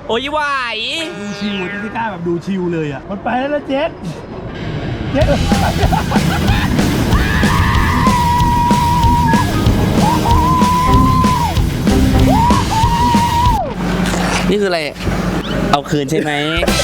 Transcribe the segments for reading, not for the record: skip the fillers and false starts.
โอ้ยไหวดูชิวที่กล้าแบบดูชิวเลยอ่ะมันไปแล้วนะเจ็ดนี่คืออะไรเอาคืนใช่ไหม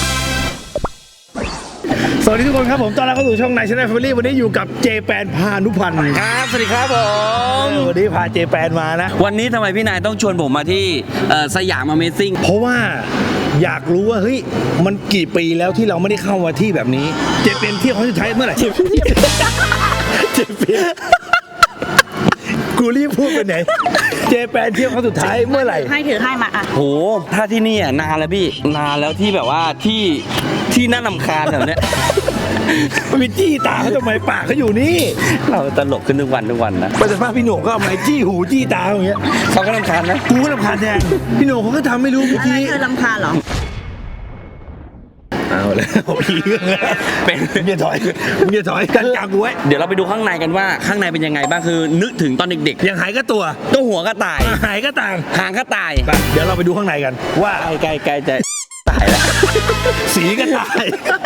สวัสดีทุกคนครับผมตอนรับเข้าสู่ช่องนายชาแนลแฟมิลี่วันนี้อยู่กับเจแปนพานุพันธ์ครับสวัสดีครับผมวันนี้พาเจแปนมานะวันนี้ทำไมพี่นายต้องชวนผมมาที่สยาม Amazing เพราะว่าอยากรู้ว่าเฮ้ยมันกี่ปีแล้วที่เราไม่ได้เข้ามาที่แบบนี้เจแปนเที่ยวครั้งสุดท้ายเมื่อไหร่เจแปนกูรีบพูดไปไหนเจแปนเที่ยวครั้งสุดท้ายเมื่อไหร่ให้ถือให้มาอ่ะโหถ้าที่นี่อ่ะนานแล้วพี่นานแล้วที่แบบว่าที่น่ารำคาญแบบเนี้ยมันมีจี้ตาเขาทำไมปากเขาอยู่นี่เราตลกขึ้นทุกวันนะไปสัมภาษณ์พี่โหน่งก็เอาไม้จี้หูจี้ตาอย่างเงี้ยเขาก็รำคาญนะกูก็รำคาญแทนพี่โหน่งเขาก็ทำไม่รู้เมื่อกี้เธอรำคาญเหรอเอาแล้วพี่เป็นมึงอย่าถอยกันกลางกูไว้เดี๋ยวเราไปดูข้างในกันว่าข้างในเป็นยังไงบ้างคือนึกถึงตอนเด็กๆยังหายก็ตัวหัวก็ตายหายก็ต่างหางก็ตายเดี๋ยวเราไปดูข้างในกันว่าไกลจะตายแล้วสีก็ตาย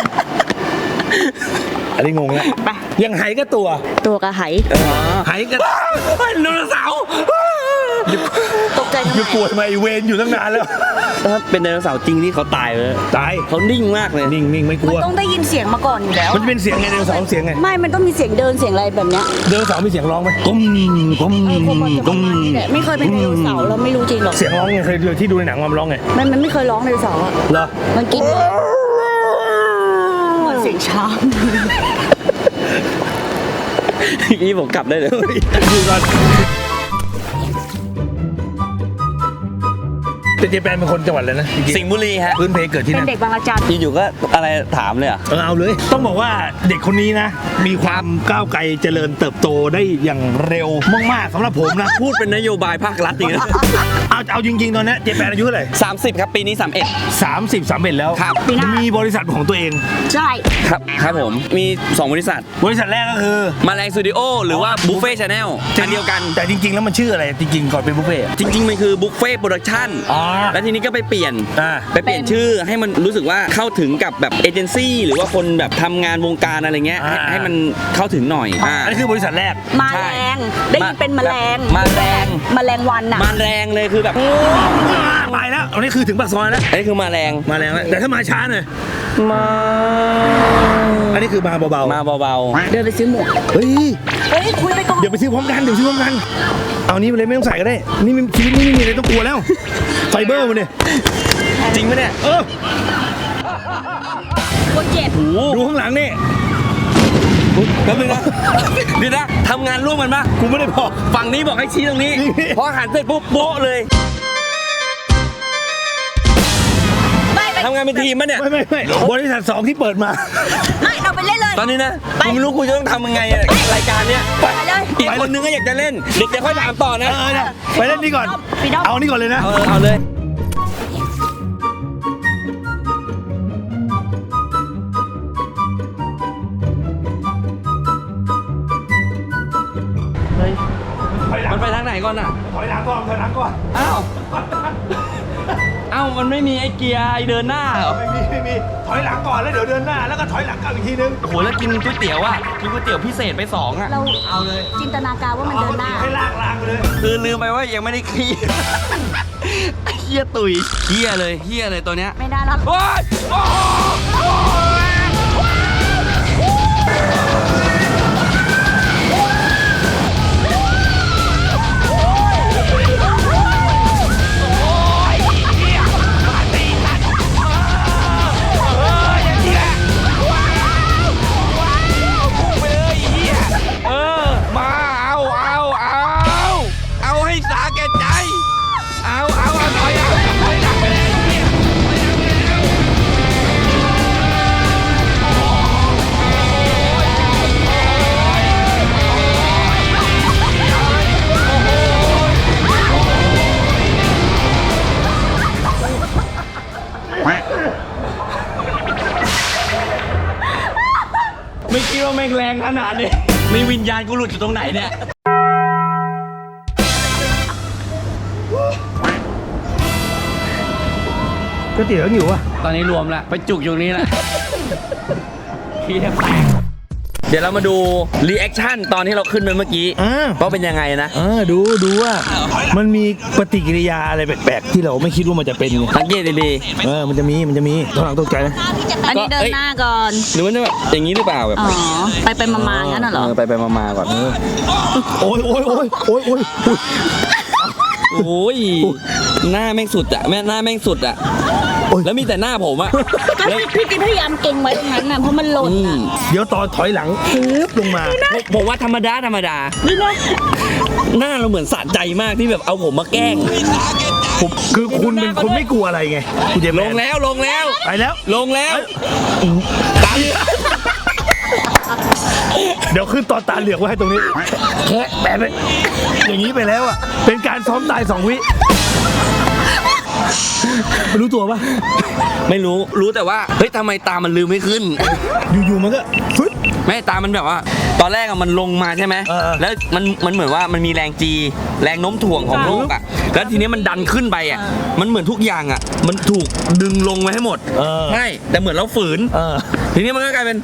อันนี้งงแล้วยังหายก็ตัวกระหายหายก็ไดโนเสาร์ตกใจทำไมอยู่ปวดมาอีเวนอยู่ตั้งนานแล้วถ้าเป็นไดโนเสาร์จริงนี่เขาตายเลยเขานิ่งมากเลยนิ่งไม่กลัวมันต้องได้ยินเสียงมาก่อนอยู่แล้วมันเป็นเสียงไงไดโนเสาร์เสียงไงไม่มันต้องมีเสียงเดินเสียงอะไรแบบเนี้ยไดโนเสาร์มีเสียงร้องไหมก้มไม่เคยเป็นไดโนเสาร์เราไม่รู้จริงหรอกเสียงร้องไงเคยที่ดูในหนังมันร้องไงมันไม่เคยร้องไดโนเสาร์อะเหรอมันกินเสียงช้างนี่ผมกลับได้เลยดูก่อนเจแปนเป็นคนจังหวัดอะไรนะสิงห์บุรีฮะพื้นเพเกิดที่นั่นเป็นเด็กบางระจันอยู่ก็อะไรถามเลยเอาเลยต้องบอกว่าเด็กคนนี้นะมีความก้าวไกลเจริญเติบโตได้อย่างเร็วมากๆสำหรับผมนะพูดเป็นนโยบายภาครัฐจริงนะเอาจริงๆตอนนี้เจแปนอายุเท่าไหร่ 30ครับปีนี้ 31แล้วครับมีบริษัทของตัวเองใช่ครับผมมี2บริษัทแรกก็คือมาแรงสตูดิโอหรือว่าบุฟเฟ่ชาแนลอันเดียวกันแต่จริงๆแล้วมันชื่ออะไรจริงๆก่อนเป็นบุฟเฟ่จริงๆมันคือบุฟเฟ่โปรดักชั่นแล้วทีนี้ก็ไปเปลี่ยนชื่อให้มันรู้สึกว่าเข้าถึงกับแบบเอเจนซี่หรือว่าคนแบบทำงานวงการอะไรเงี้ยให้มันเข้าถึงหน่อยอันนี้คือบริษัทแรกมาแรงได้ยินเป็นแมลงมาแรงวันน่ะมาแรงเลยคือแบบไปแล้วอันนี้คือถึงปากซอยแล้วอันนี้คือมาแรงแต่ถ้ามาช้าหน่อยอันนี้คือมาเบาเดินไปซื้อหมวกเฮ้ยคุยไปก่อนเดี๋ยวไปซื้อพร้อมกันเอานี้ไปเลยไม่ต้องใส่ก็ได้นี่ชีวิตนี้ไม่มีอะไรต้องกลัวแล้วไฟเบอร์มันเนี่ยจริงไหมเนี่ยคนเจ็บดูข้างหลังนี่แป๊บนึงนะดีนะทำงานร่วมกันปะกูไม่ได้บอกฝั่งนี้บอกให้ชี้ตรงนี้พอหันเสร็จปุ๊บโบ๊ะเลยทำงานเป็นทีมมั้ยเนี่ยไม่บริษัท2ที่เปิดมาไม่เราไปเล่นเลยตอนนี้นะกูไม่รู้กูจะต้องทำยังไงรายการเนี้ยไปเลยอีกคนนึงก็อยากจะเล่นเด็กจะค่อยถามต่อนะไปเล่นนี่ก่อนเอานี่ก่อนเลยนะเอาเลยมันไปทางไหนก่อนอ่ะถอยหลังก่อนอ้าวมันไม่มีไอ้เกียร์ไอ้เดินหน้าเหรอไม่มีถอยหลังก่อนแล้วเดี๋ยวเดินหน้าแล้วก็ถอยหลังกลับอีกทีนึงโอ้โหแล้วกินก๋วยเตี๋ยวอ่ะกินก๋วยเตี๋ยวพิเศษไป2อ่ะเราเอาเลยจินตนาการว่ามันเดินหน้าให้ลากไปเลยคือลืมไปว่ายังไม่ได้ขี้เหี้ยตุ๋ยเหี้ยเลยตัวเนี้ยไม่ได้แล้วโอ๊ยไม่คิดว่าแม่งแรงขนาดนี้มีวิญญาณกูหลุดอยู่ตรงไหนเนี่ยก๋วยเตี๋ยวอยู่วะตอนนี้รวมละไปจุกอยู่นี้ละขี้แทบแตกเดี๋ยวเรามาดูรีแอคชั่นตอนที่เราขึ้นไปเมื่อกี้ว่าเป็นยังไงนะดูว่ามันมีปฏิกิริยาอะไรแปลกๆที่เราไม่คิดว่ามันจะเป็นไงสังเกตดีมันจะมีตอนหลังตกใจนะอันนี้เดินหน้าก่อนๆหรือว่าจะแบบอย่างนี้หรือเปล่าแบบอ๋อ ไปมาๆงั้นน่ะเหรอไปมาก่อนโอ้ยโอ้ยหน้าแม่งสุดอะหน้าแม่งสุดอะแล้วมีแต่หน้าผมอะก็พี่กิ๊พยายามเก่งไว้ตรงนั้นน่ะเพราะมันหล่นน่ะเดี๋ยวตอนถอยหลังปึ๊บลงมาผมว่าธรรมดาหน้าเราเหมือนสะใจมากที่แบบเอาผมมาแกล้งคือคุณเป็นคนไม่กลัวอะไรไงคุณเจมส์ลงแล้วไปแล้วลงแล้วเดี๋ยวขึ้นตอนตาเหลือกไว้ให้ตรงนี้แค่แปะไปอย่างนี้ไปแล้วอ่ะเป็นการซ้อมตาย2 วิไม่รู้ตัวปะไม่รู้แต่ว่าเฮ้ยทำไมตามันลืมไม่ขึ้นอยู่ๆมันก็ฟึ๊ดไม่ตามันแบบว่า ตอนแรกอะมันลงมาใช่ไหม แล้วมันเหมือนว่ามันมีแรงจีแรงโน้มถ่วงของโลกอะแล้วทีนี้มันดันขึ้นไปอะมันเหมือนทุกอย่างอะมันถูกดึงลงไว้ให้หมดใช่แต่เหมือนเราฝืนทีนี้มันก็กลายเป็น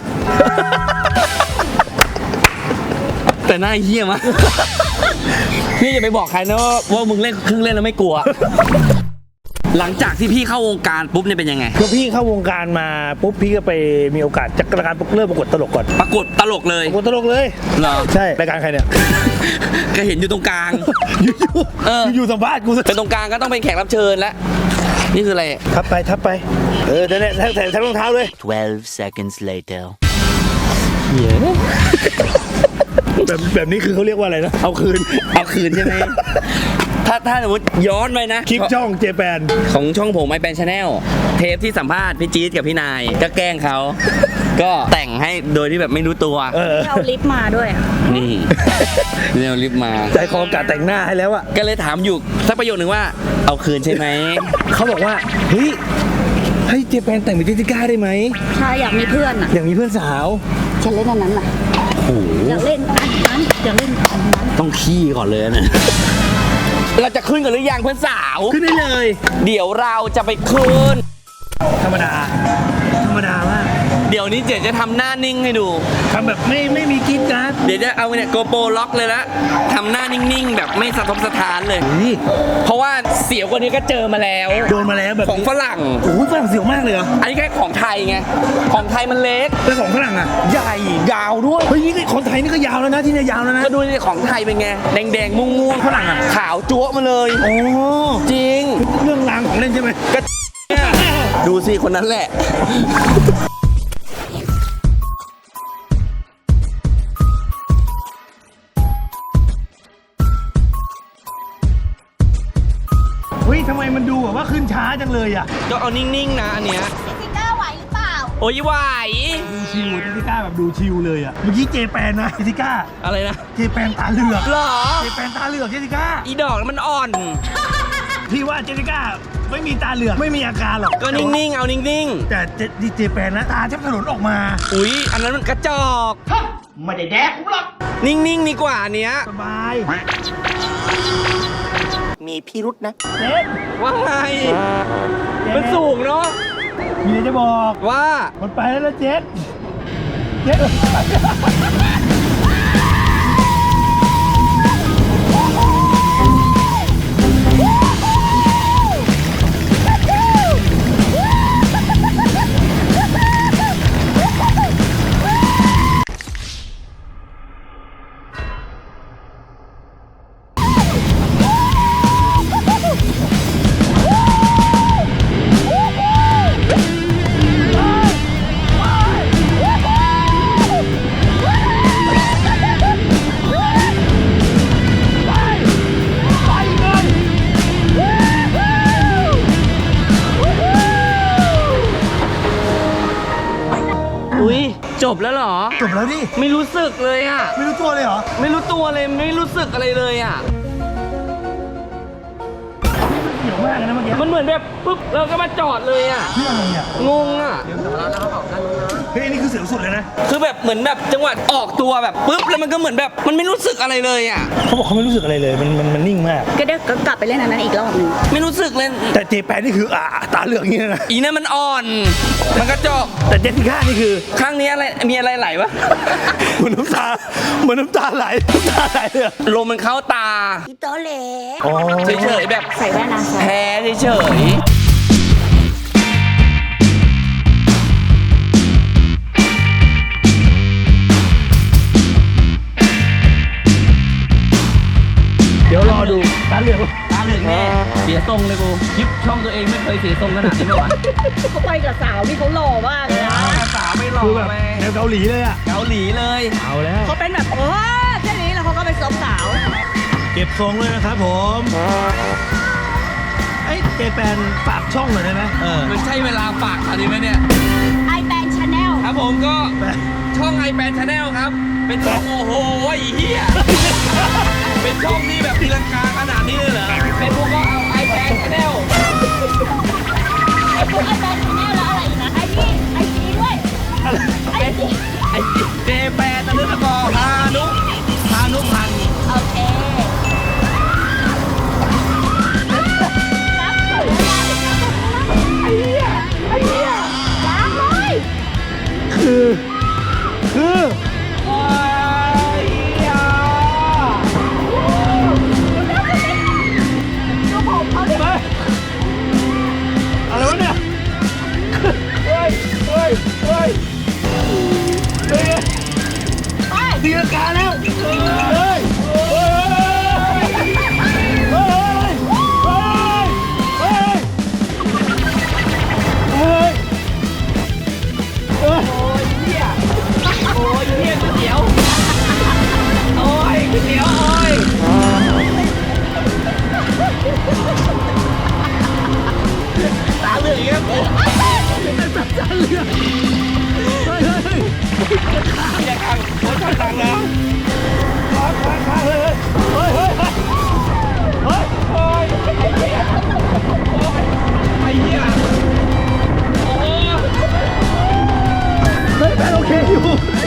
แต่หน้าเหี้ยมะ พี่อย่าไปบอกใครนะว่ามึงเล่นเครื่องเล่นแล้วไม่กลัว หลังจากที่พี่เข้าวงการปุ๊บเนี่ยเป็นยังไงคือพี่เข้าวงการมาปุ๊บพี่ก็ไปมีโอกาสจากรายการเริ่มประกวดตลกก่อนปรากฏตลกเลยประกวดตลกเลยเหรอใช่รายการใครเนี่ยก็เห็นอยู่ตรงกลางอยู่สัมภาษณ์กูเป็นตรงกลางก็ต้องเป็นแขกรับเชิญแล้วนี่คืออะไรทับไปแต่เนี่ยแถมรองเท้าเลย 12 seconds later. แบบนี้คือเขาเรียกว่าอะไรนะเอาคืนใช่ไหม ถ้าสมมติย้อนไปนะคลิปช่องเจแปนของช่องผมไอแปนชาแนลเทปที่สัมภาษณ์พี่จี๊ดกับพี่นายก็แกล้งเขา ก็แต่งให้โดยที่แบบไม่รู้ตัวเอาลิฟต์มาด้วยอะนี่เร็วรีบมาใจคอกะแต่งหน้าให้แล้วอะก็เลยถามอยู่สักประโยคนึงว่าเอาคืนใช่ไหมเขาบอกว่าเฮ้ยให้เจแปนแต่งเป็นเจสสิก้าได้ไหมใช่อยากมีเพื่อนอ่ะอย่างมีเพื่อนสาวฉันเล่นอันนั้นน่ะโอ้โหอยากเล่นอันนั้นอยากเล่นอันนั้นต้องขี้ก่อนเลยนะ เราจะขึ้นกันหรือยังเพื่อนสาวขึ้นได้เลยเดี๋ยวเราจะไปขึ้นธรรมดามากเดี๋ยวนี้เจ๊จะทำหน้านิ่งให้ดูทำแบบไม่มีกิ๊ดการ์ดเดี๋ยวจะเอาเนี่ยโกโปรล็อกเลยละทำหน้านิ่งๆ แบบไม่สะทกสะท้านเลยนี่เพราะว่าเสียวกว่านี้ก็เจอมาแล้วโดนมาแล้วแบบของฝรั่งโอ้ยฝรั่งเสียวมากเลยเหรออันนี้แค่ของไทยไง ของไทยมันเล็กแล้วของฝรั่งอ่ะใหญ่ยาวด้วยเฮ้ยนี่ของไทยนี่ก็ยาวแล้วนะที่เนี่ยยาวแล้วนะก็ดูนี่ของไทยเป็นไง แดงๆม่วงๆฝรั่งอะขาวจั๊วะมาเลยโอ้จริงเรื่องรางของเล่นใช่ไหมก็เนี่ยดูสิคนนั้นแหละเฮ้ยทำไมมันดูแบบว่าขึ้นช้าจังเลยอ่ะก็เอานิ่งๆนะอันเนี้ยซิก้าไหวหรือเปล่าโอ้ยไหวดูชิวเจสสิก้าแบบดูชิวเลยอ่ะเมื่อกี้เจแปนนะเจสสิก้าอะไรนะเจแปนตาเหลือกหรอเจแปนตาเหลือกเจสสิก้าอีดอกมันอ่อนพี่ว่าเจสสิก้าไม่มีตาเหลือกไม่มีอาการหรอกก็นิ่งๆ เอานิ่งแต่เจแปนนะตาแทบถลนออกมาๆ อุ๊ย อันนั้นมันกระจอกไม่ได้แดกกูหรอกนิ่งๆ ดีกว่าอันเนี้ยสบายมีพิรุษนะเจ๊ว่าไง มันสูงเนาะมีอะไรจะบอกว่ามันไปแล้วนะเจ๊เจ๊อุ๊ย จบแล้วเหรอจบแล้วดิไม่รู้สึกเลยอะไม่รู้ตัวเลยเหรอไม่รู้ตัวเลย ไม่รู้สึกอะไรเลยอะมมากนะเมื่อกี้มันเหมือนแบบปุ๊บเราก็มาจอดเลยอ่ะเรื่องอะไรอ่ะงงอ่ะเฮ้ยนี่คือเสียวสุดเลยนะคือแบบเหมือนแบบจังหวะออกตัวแบบปุ๊บแล้วมันก็เหมือนแบบมันไม่รู้สึกอะไรเลยอ่ะเขาบอกเขาไม่รู้สึกอะไรเลยมันนิ่งมากก็เดี๋ยวก็กลับไปเล่นอันนั้นอีกรอบหนึงไม่รู้สึกเลยแต่เจแปนนี่คือตาเหลือกอย่างนี้นะอีนั่นมันอ่อน มันกระจอกแต่เจสสิก้านี่คือข้างนี้อะไรมีอะไรไหลวะเหมือนน้ำตาไหลเลยอะลมมันเข้าตาพี่โตเล่อ๋อเฉยๆแบบใส่แว่นนะแพ้เฉยเดี๋ยวรอดูตาเหลือกๆตาเหลือกแน่เสียทรงเลยกูคลิปช่องตัวเองไม่เคยเสียทรงขนาดนี้มาก่อนเขาไปกับสาวที่เขาหล่อมากเลยนะสาวไม่หล่อคือแบบไปแนวเกาหลีเลยอ่ะเกาหลีเลยเอาแล้วเขาเป็นแบบโอ้แค่นี้แล้วเขาก็ไปซบสาวเก็บทรงเลยนะครับผมไอ้เจแปนฝากช่องหน่อยได้ไหมมันใช่เวลาฝากตอนนี้ไหมเนี่ยไอแบนชาแนลครับผมก็ช่องไอแปนชาแนลครับ เป็นช่องโอ้โหไอ้เหี้ย เป็นช่องที่แบบตีลังกาขนาดนี้เลยเหรอเป็นพวกก็เอาไอแปนชาแนลไอพวกไอแบนชาแนลแล้วอะไรอีกนะไอจีด้วยไอจีไอเจแปนตะลึกตะกอพานุพันธ์โอเครับสวยมากไอเหี้ยล้างเลยคือโอ้ยเหี้ยดูผมเขาดิอะไรวะเนี่ยเฮ้ยไปตีลังกาแล้วเฮ้ยโอ้ยเหี้ยก๋วยเตี๋ยวโอ้ยก๋วยเตี๋ยวโอ้ยตาเหลือกอีกแล้วกูอย่าขังโอ้ยขังแล้วโอ้ยไอ้เหี้ยโอ้ยไอ้เหี้ยโอ้ยเฮ้ยแปนโอเคอยู่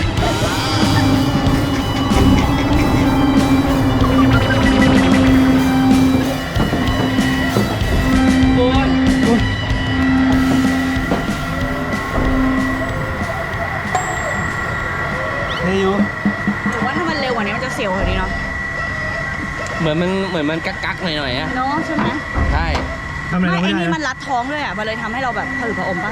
โอ้ยเฮ้ยอยู่หรือว่าถ้ามันเร็วกว่านี้มันจะเสียวกว่านี้เนาะเหมือนมันกักๆหน่อยๆอะเนาะใช่ไหมใช่ทำอะไรไม่เราไอ้ไม่ได้นี่มันนะรัดท้องด้วยอ่ะมันเลยทำให้เราแบบผะอืดผะอมป่ะ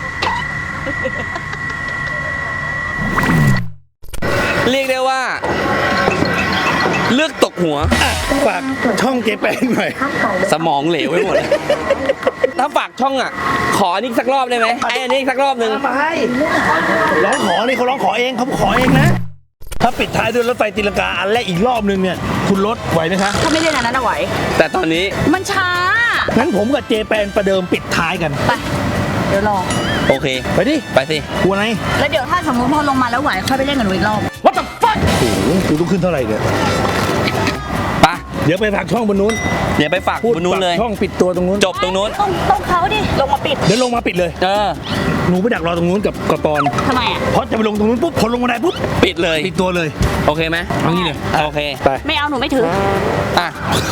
เรียกได้ว่า เลือกตกหัวฝากช่องเจแปนหน่อยสมองเหลวไปหมด ถ้าฝากช่องอ่ะ ขออันนี้สักรอบได้ไหมไอ้อันนี้สักรอบหนึ่งมาให้ร้องขอนี่เขาร้องขอเองเขาขอเองนะ ถ้าปิดท้ายด้วยรถไฟตีลังกาอันแรกอีกรอบนึงเนี่ยคุณรถไหวไหมคะถ้าไม่เล่นอันนั้นเอาไหวแต่ตอนนี้มันช้างั้นผมกับเจแปนประเดิมปิดท้ายกันไป เดี๋ยวรอโอเคไปดิไปสิกลัวอะไรแล้วเดี๋ยวถ้าสมมติพอลงมาแล้วไหวค่อยไปเล่นกันหนูอีกรอบ What the fuck โอ้โหกูต้องขึ้นเท่าไหร่เนี่ยไปเดี๋ยวไปฝากช่องบนนู้นเดี๋ยวไปฝากพูดบนนู้นเลยฝากช่องปิดตัวตรงนู้นจบตรงนู้นต้องเขาดิ ลงมาปิดเดี๋ยวลงมาปิดเลยเออหนูไปดักรอตรงนู้นกับปอนทำไมอ่ะเพราะจะไปลงตรงนู้นปุ๊บพอลงมาได้ปุ๊บปิดเลยปิดตัวเลยโอเคไหมเอางี้เลยโอเคไปไม่เอาหนูไม่ถืออ่ะ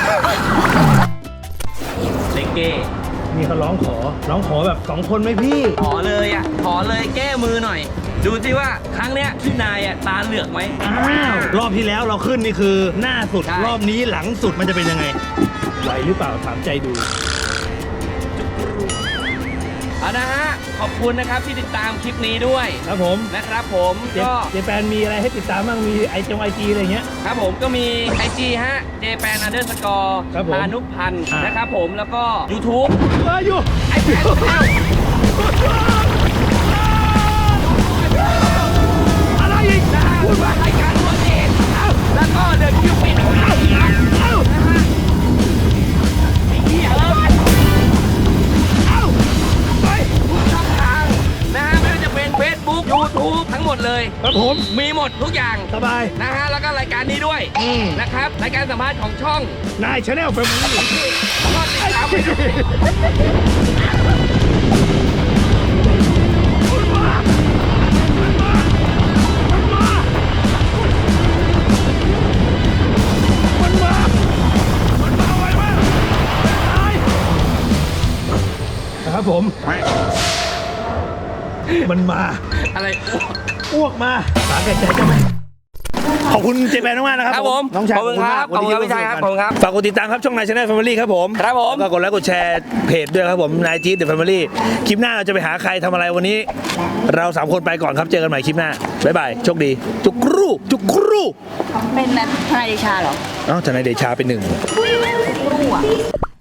เลเก้นี่เขาร้องขอแบบ2คนไหมพี่ขอเลยอ่ะ ขอเลยแก้มือหน่อย ดูสิว่าครั้งเนี้ยพี่นายอ่ะตาเหลือกไหมอ้าวรอบที่แล้วเราขึ้นนี่คือหน้าสุดใช่รอบนี้หลังสุดมันจะเป็นยังไงไหวหรือเปล่าถามใจดูเอานะฮะ ขอบคุณนะครับที่ติดตามคลิปนี้ด้วยครับผมนะครับผมเจก็เจแปนมีอะไรให้ติดตามบ้างมีไอจีอะไรเงี้ยครับผมก็มี IG ฮะ jpan__ ครับผมพานุพันธ์อ่ะนะครับผมแล้วก็ YouTube อยู่ไอแพนชาแนลอะไรอีกนะฮะพูดว่ารายการตัวเองแล้วก็เดินคิวปิดนะฮะไอ้เหี้ยทุกช่องทางนะฮะไม่ว่าจะเป็น Facebook YouTube ทั้งหมดเลยครับผมมีหมดทุกอย่างสบายนะฮะแล้วก็รายการนี้ด้วยนะครับรายการสัมภาษณ์ของช่องนายชาแนลแฟมิลี่นะครับผม มันมาอะไรอ้วกมาสาแก่ใจจะไหมขอบคุณเจแปนมากๆนะครับครับผมน้องชายขอบคุณครับวันนี้ขอบคุณครับพี่ชายครับขอบคุณครับฝากกดติดตามครับช่องนายชาแนลแฟมิลี่ครับผมครับผมแล้วก็กดไลค์กดแชร์เพจด้วยครับผมนายจี๊ดเดอะแฟมิลี่คลิปหน้าเราจะไปหาใครทำอะไรวันนี้ เรา3คนไปก่อนครับเจอกันใหม่คลิปหน้าบ๊ายบายโชคดีจุกรูจุกรูเป็นแบบทนายเดชาเหรอเอ้าทนายเดชาเป็นหนึ่งรู้อ่ะ